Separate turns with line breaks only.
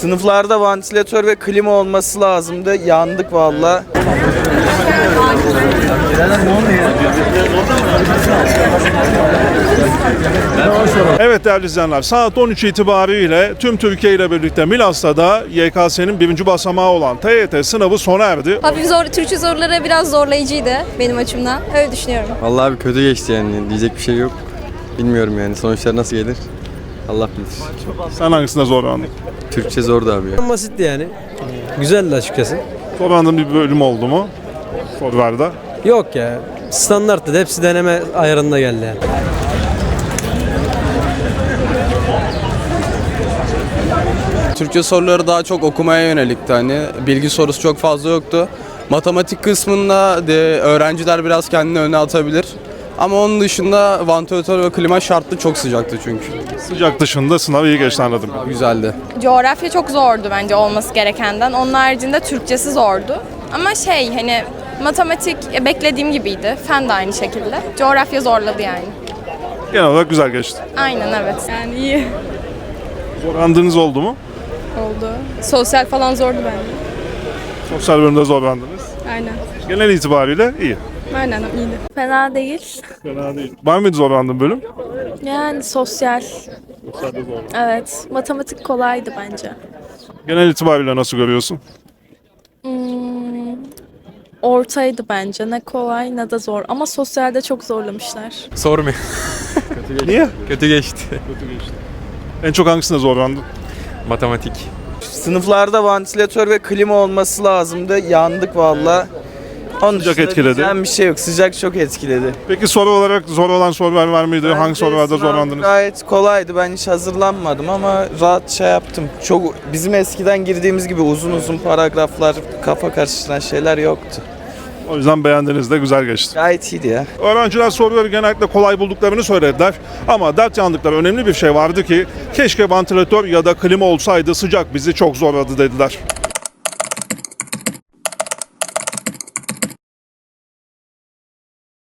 Sınıflarda vantilatör ve klima olması lazımdı. Yandık valla.
Evet değerli izleyenler, saat 13 itibariyle tüm Türkiye ile birlikte Milas'ta da YKS'nin 1. basamağı olan TYT sınavı sona erdi.
Hafif zor, Türkçe soruları biraz zorlayıcıydı benim açımdan. Öyle düşünüyorum.
Vallahi abi kötü geçti yani. Diyecek bir şey yok. Bilmiyorum yani. Sonuçlar nasıl gelir? Allah bilir.
Sen hangisinde zorlandın?
Türkçe zordu abi ya.
Basitti yani. Güzeldi açıkçası.
Zorlandığın bir bölüm oldu mu? Sorularda.
Yok ya. Standarttı. Hepsi deneme ayarında geldi yani.
Türkçe soruları daha çok okumaya yönelikti, hani bilgi sorusu çok fazla yoktu. Matematik kısmında de öğrenciler biraz kendini öne atabilir. Ama onun dışında vantilatör ve klima şartlı, çok sıcaktı çünkü.
Sıcak dışında sınav iyi geçti anladım.
Güzeldi.
Coğrafya çok zordu bence olması gerekenden. Onun haricinde Türkçesi zordu. Ama hani matematik beklediğim gibiydi. Fen de aynı şekilde. Coğrafya zorladı yani.
Genel olarak güzel geçti.
Aynen, evet.
Yani iyi
Zorlandığınız oldu mu?
oldu. Sosyal falan zordu bence.
Sosyal bölümde zorlandınız.
Aynen.
Genel itibariyle iyi.
Aynen iyiydi.
Fena değil.
Fena değil. Var mıydı zorlandığın bölüm?
Yani sosyal.
Sosyalde zorlandın.
Evet. Matematik kolaydı bence.
Genel itibariyle nasıl görüyorsun?
Ortaydı bence. Ne kolay ne de zor. Ama sosyalde çok zorlamışlar.
Sormayın.
Niye?
Kötü geçti.
En çok hangisinde zorlandın?
Matematik.
Sınıflarda vantilatör ve klima olması lazımdı. Yandık valla. Onun
Sıcak
dışında
etkiledi.
diyeceğim bir şey yok. Sıcak çok etkiledi.
Peki soru olarak zor olan sorular var mıydı? Hangi
Bence
sorularda
sınav
zorlandınız?
Gayet kolaydı. Ben hiç hazırlanmadım ama rahat şey yaptım. Çok bizim eskiden girdiğimiz gibi uzun uzun paragraflar, kafa karıştıran şeyler yoktu.
O yüzden beğendiniz de güzel geçti.
Gayet iyiydi ya.
Öğrenciler soruları genellikle kolay bulduklarını söylediler. Ama dert yandıkları önemli bir şey vardı ki keşke vantilatör ya da klima olsaydı, sıcak bizi çok zorladı dediler.